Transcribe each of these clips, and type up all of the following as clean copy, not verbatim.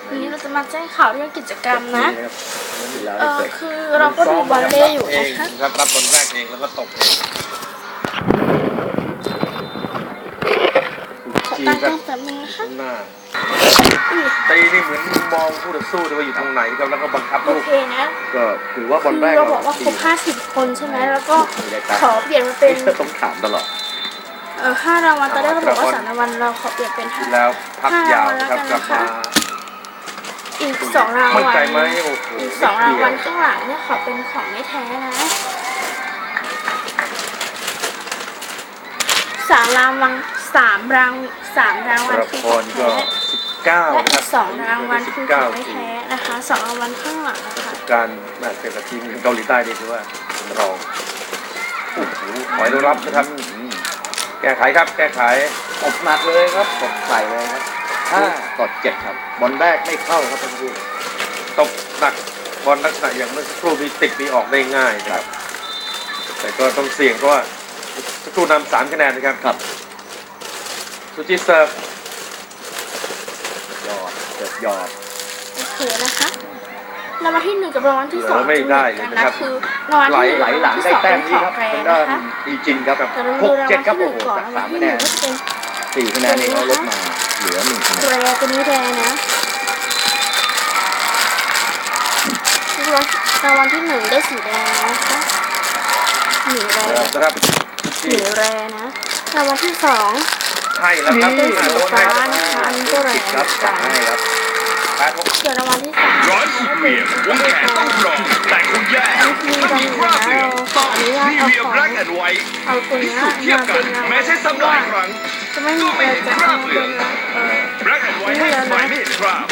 วันนี้เราจะมาแจ้งข่าวเรื่องกิจกรรมนะคือเราก็ดูบอลเล่อยู่นะคะครับรับบอลแรกเองแล้วก็ตกเองขอตั้งกล้องแป๊บนึงนะคะหน้าตีนี่เหมือนมองคู่ต่อสู้ด้วยว่าอยู่ตรงไหนครับแล้วก็บังคับโอลูกเคนะก็ถือว่าบอลแรกเราบอกว่าครบ50 คนใช่ไหมแล้วก็ขอเปลี่ยนมาเป็นต้องถามตลอด 5 รางวัลตอนแรกเราบอกว่า3 รางวัลเราขอเปลี่ยนเป็นแล้วพักยาวครับกลับมาอีก2 รางวัลมั่นใจไหมโอ้โหอีก2 รางวัลข้างหลังเนี่ยขอเป็นของไม่แท้นะ3 รางวัลคือของแท้และอีก2 รางวัลคือของไม่แท้นะคะ2 รางวัลข้างหลังนะคะการมาเจอกับทีมเกาหลีใต้นี่ถือว่าเราโอ้โหถอยรับนะครับแก้ไขครับแก้ไขตบหนักเลยครับตบใส่เลยครับ5-7ครับบอลแรกไม่เข้าครับท่านผู้ตบหนักบอลลักษณะอย่างเมื่อสักครู่มีติดมีออกได้ง่ายครับแต่ก็ต้องเสี่ยงเพราะว่าสักครู่นำ3 คะแนนนะครับครับสุจิเซิร์ฟยอดโอเคนะคะรางวัลที่1กับรางวัลที่2 ไม่ได้เลยนะครับคือรางวัลที่ไหลหลังได้แต้มนี้ครับเป็นด้านดีจินครับ6-7ครับโอ้โหจาก3 คะแนน4 คะแนนเองลดมาเหลือ1 คะแนนแรตัวนี้แรนะรางวัลที่1ได้สีแดงนะคะหนีแรนะครับหนีแรนะรางวัลที่2 ให้แล้วครับได้สีฟ้านะคะอันนี้ก็แรครับให้ครับส่วนรางวัลที่3 ร้อยสุดเหลี่ยมวงแขนต้องกรองแต่คงแย่ไม่มีคราบเหลืองต้องนีเวียแบล็กแอนด์ไวท์พิสูจน์เทียบกันแม้ใช้ซ้ำหลายครั้งจะไม่มีอะไรจะคราบเหลืองแบล็กแอนด์ไวท์ให้สมัยไม่เห็นคราบ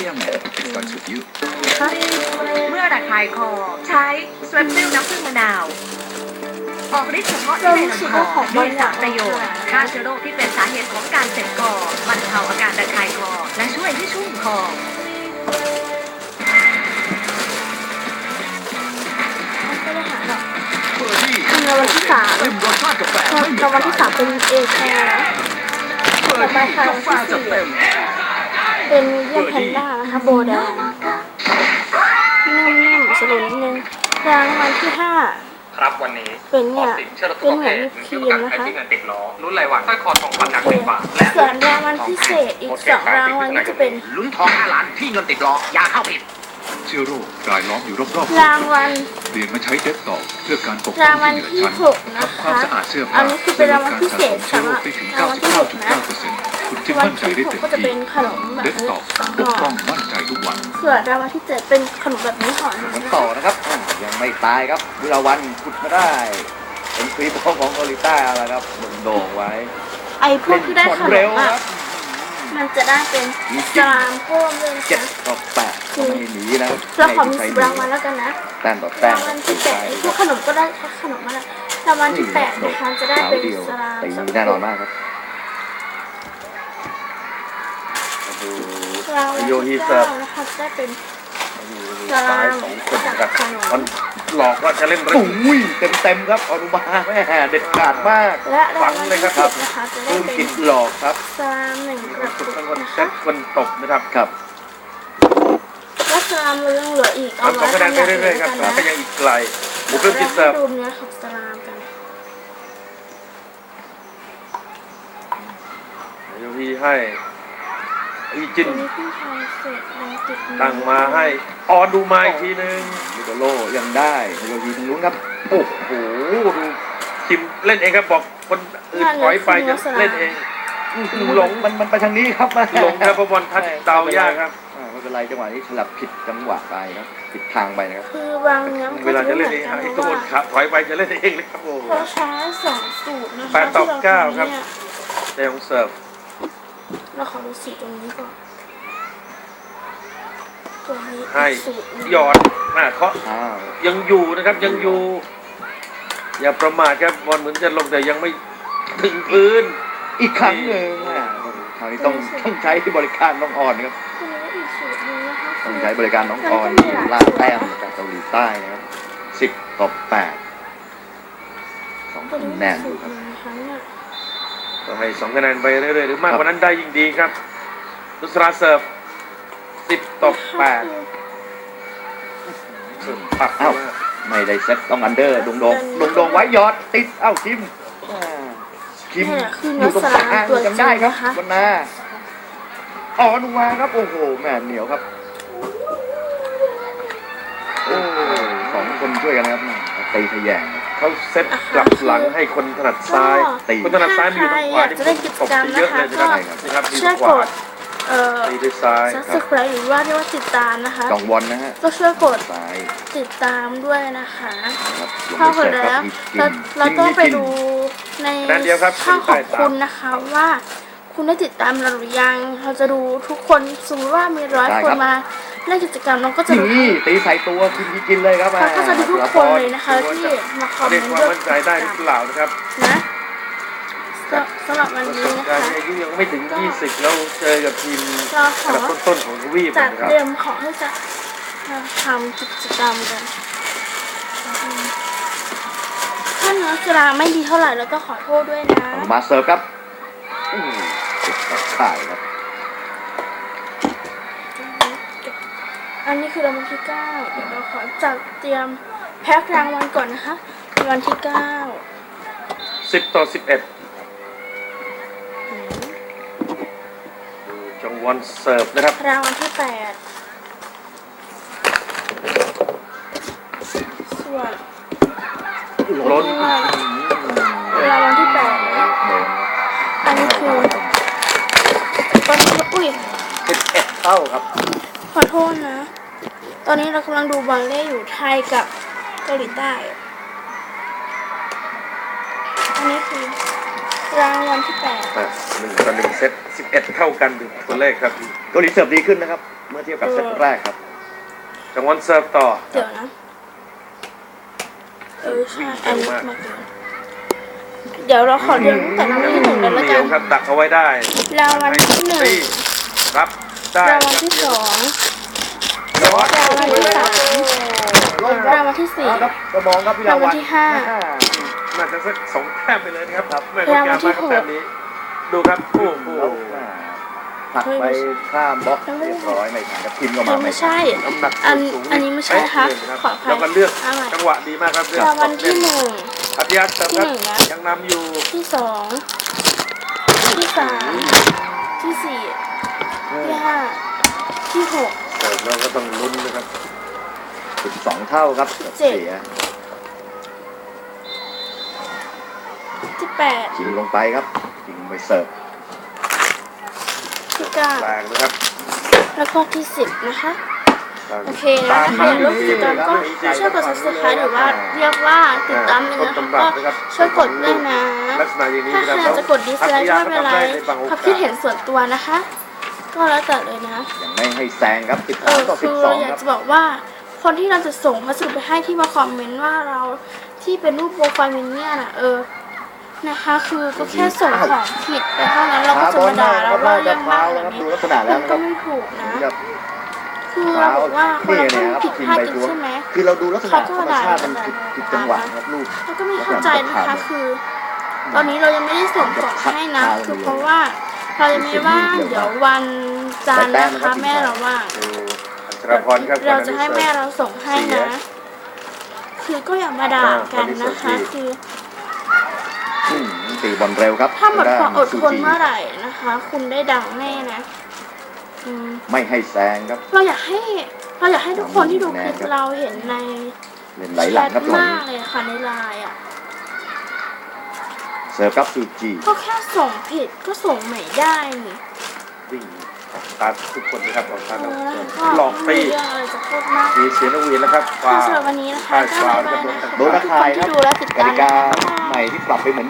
เมื่อระคายคอใช้สเวปซิลน้ำผึ้งมะนาวออกฤทธิ์เฉพาะที่ในลำคอมีสารประโยชน์ฆ่าเชื้อโรคที่เป็นสาเหตุของการเจ็บคอบรรเทาอาการระคายคอและช่วยให้ชุ่มคอรางวัลที่3รางวัลที่3เป็นเอแคร์นะต่อไปค่ะรางวัลที่4เป็นเยี่ยมแพนด้านะคะโบแดงนุ่มๆสโลว์นิดนึงรางวัลที่5 ครับวันนี้เป็นเนี่ยเป็นเหมือนวิปครีมนะคะเงินติดล้อรุ่นรายวันสร้อยคอทองคำหนัก1 บาทและส่วนรางวัลพิเศษอีก2 รางวัลก็จะเป็นลุ้นทอง5 ล้านที่เงินติดล้ออย่าเข้าผิดเชื้อโรครายล้อมอยู่รอบๆรางวัลเปลี่ยนมาใช้เด็กต่อเพื่อการปกป้องรางวัลที่6นะคะความสะอาดเสื้อผ้าอันนี้คือเป็นรางวัลพิเศษสำหรับรางวัลที่6นะคุณจะมั่นใจได้เต็มก็จะเป็นขนมแบบเด็กนี้ต่อปกป้องมั่นใจทุกวันส่วนรางวัลที่7เป็นขนมแบบนี้ห่อนึงต่อนะครับยังไม่ตายครับวิลาวันขุดมาได้เป็นคลิปของเกาหลีใต้แล้วครับโด่งไว้ไอ้พวกที่ได้ขนมมันจะได้เป็นสลามเพิ่มเลย 7 ต่อ 8ก็ไม่หนีนะเราขอมี10 รางวัลแล้วกันนะแต้มต่อแต้มรางวัลที่8พวกขนมก็ได้ขนมมาแล้วรางวัลที่8นะคะจะได้เป็นสลามแน่นอนมากครับรางวัลที่9นะคะจะได้เป็นสลามกับมันหลอกว่าจะเล่นเรื่องเต็มครับอนุบาลแม่เด็ดขาดมากและรางวัลที่10นะคะจะได้เป็นหลอกครับสลาม1 กระปุกนะคะคนตบนะครับครับและสลามยังเหลืออีกเอาไว้ทำอย่างอื่นกันนะก็ยังอีกไกลบุกเริ่มจิตเสิร์ฟดูเนื้อของสลามกันยูพีให้อีจินตั้งมาให้ออนดูมาอีกทีนึงมิโดโลยังได้โยยีทางลุ้นครับโอ้โหดูคิมเล่นเองครับบอกคนอื่นถอยไปจะเล่นเองหลงมันไปทางนี้ครับหลงครับบอลทัดเดายากครับไม่เป็นไรจังหวะนี้ฉลับผิดจังหวะไปครับผิดทางไปนะครับคือบางเนี้ยเวลาจะเล่นเองไอ้ตัวครับถอยไปจะเล่นเองเลยครับโอ้เขาใช้2 สูตรนะคะ 8 ต่อ 9ครับเดยองเสิร์ฟเราขอดูสีตรงนี้ก่อนตัวนี้ให้หยอดเคาะยังอยู่นะครับยังอยู่อย่าประมาทครับบอลเหมือนจะลงแต่ยังไม่ถึงพื้นอีกครั้งหนึ่งคราวนี้ต้องใช้บริการน้องอ่อนครับต้องใช้บริการน้องอ่อนล่าแต้มจากเกาหลีใต้นะครับ10 ต่อ 8 2 คะแนนอยู่ครับก็ให้2 คะแนนไปเรื่อยๆหรือมากกว่านั้นได้ยิ่งดีครับนุสราเสิร์ฟ 10-8สุดปักเอ้ามากไม่ได้เซ็ตต้องอันเดอร์ดงไว้หยอดติดเอ้าคิมคิมนี่แหละคืออนัยู่กตรงสกลาลางตัวจริจำได้งครับนะคะวันนาอ๋อนุวาครับโอ้โหแม่เหนียวครับโอ้สองคนช่วยกันนะครับตีทะแยงเขาเซตกลับหลังให้คนถนัดซ้ายตีคนถนัดซ้ายมีอยู่ทางขวาที่ผมตบเยอะเลยนะครับนะครับมีช่วยขกวาดตีด้วยซ้าย subscribe หรือว่าเรียกว่าติดตามนะคะจองวอนนะฮะก็ช่วยกดซ้ายติดตามด้วยนะคะครับพอกดแล้วเราต้องไปดูในช่องของคุณนะคะว่าคุณได้ติดตามเราหรือยังเราจะดูทุกคนสมมติว่ามี100 คนมาเล่นกิจกรรมเราก็จะดูนี่ตีใส่ตัวกินเลยครับเราก็จะดูทุกคนเลยนะคะที่มาคอมเมเรียนกต์ความด้วยมั่นใจได้หรือเปล่านะครับนะสำหรับวันประสนี้บนะการคะณ์อายุยังไม่ถึง 20 แล้วเจอกับทีมเราขอันอดับต้นๆของทวีปจัดนะครับเตรียมของที่จะทำกิจกรรมกันถ้าเนื้อกีฬาไม่ดีเท่าไหร่เราก็ขอโทษด้วยนะมาเสิร์ฟครับติดข่ายครับอันนี้คือรางวัลที่ 9 เดี๋ยวเราขอจัดเตรียมแพ็ครางวัลก่อนนะคะรางวัลที่ 10-11จงวอนเสิร์ฟนะครับ 9 รางวัลที่ 8 ส่วนล้นรางวัลที่ 8 อันนี้คือตอนนี้อุ้ย 11เท่าครับขอโทษนะ ตอนนี้เรากำลังดูบอลเล่อยู่ไทยกับเกาหลีใต้ อันนี้คือรางวัลที่ 8 1-1 เซต 11 เท่ากันถึงตัวเลขครับเกาหลีเสิร์ฟดีขึ้นนะครับ เมื่อเทียบกับเซตแรกครับจงวอนเสิร์ฟต่อเดี๋ยวนะ ใช่อันนี้มาเกินเดี๋ยวเราขอเรียนตั้งแต่รางวัลที่ 1เลยละเหนีกัยวน ครับดักเอาไว้ได้รางวัลที่ตีรับได้ 1 รางวัลที่ 2 ยอดรางวัลที่ 3 รางวัลที่ครับกระมองครับพี่ 4 รางวัลที่น่าจะสัก2 แต้มไปเลยนะครับไม่ต้องการมากครับแต้มนี้ ดูครับโอ้โหผักไปข้ามบล็อกเรียบร้อยไม่ทันครับทีมก็ 5 มาไม่ใช่น้ำหนักอันนี้ไม่ใช่นะคะขออภัยแล้วก็เลือกเอาใหม่จังหวะดีมากครับเลือกรางวัลที่อัธยาศัยครับที่หนึ่งนะยังนำอยู่ 1 ที่ 2 ที่ 3 ที่ 4 ที่ 5 ที่ 6 เสิร์ฟเราก็ต้องลุ้นนะครับ 12เท่าครับเจ็ดเสียที่ชิงลงไปครับชิงไปเสิร์ฟ 8 ที่แรงนะครับ 9 แล้วก็ที่ 10 นะคะ โอเคนะถ้าอยากร่วมกิจกรรมก็ช่วยกด subscribe หรือว่าเรียกว่าติดตามเลยนะคะก็ช่วยกดด้วยนะลักษณะอย่างนี้ถ้าใครจะกดดิสไลค์ก็ไม่เป็นไรความคิดเห็นส่วนตัวนะคะ ก็แล้วแต่เลยนะยังไม่ให้แซงครับ 13 ต่อคือเราอ 12ครับยากจะบอกว่าคนที่เราจะส่งพัสดุไปให้ที่มาคอมเมนต์ว่าเราที่เป็นรูปโปรไฟล์มินเนี่ยนะนะคะ คือก็แค่ส่งของผิดไปเท่านั้นเราก็จะมาด่าเราว่าเรื่องมากแบบนี้ดูลักษณะแล้วมันนะคก็รับไม่ถูกนะครับคือเราบอกว่าคนเราต้องผิดพลาดกันใช่ไหมคือเราดูลักษณะธรรมชาติมันผิดจังหวะครับลูกเราก็ไม่เข้าใจนะคะ คือ ตอนนี้เรายังไม่ได้ส่งของให้นะ คือเพราะว่าเรายังไม่ว่างเดี๋ยววันจันทร์นะคะแม่เราว่างดูอัชรพรครับเราจะให้แม่เราส่งให้นะ คือก็อย่ามาด่ากันนะคะ คือตีบอลเร็วครับถ้าหมดความอดทนซูจีเมื่อไหร่นะคะ คุณได้ดังแน่นะไม่ให้แซงครับเราอยากให้ทุกคนที่ดูคลิปเราเห็นในเล่นไหลหลังครับตรงมากนี้เลยค่ะในไลน์อ่ะเสิร์ฟครับซูจีก็แค่ส่งผิดก็ส่งใหม่ได้นี่วิ่งตามทุกคนนะครับออกตามแล้วก็หลอกไม่ตีมีเรื่องอะไรจะพูดมากมีเสียงนกหวีดแล้วครับค่ะสำหรับวันนี้นะคะก็บ๊ายบายนะคะโดนทุตะกคข่ายนคที่รับดูและติดกตามติกาใหม่ที่ปรับไปเหมือน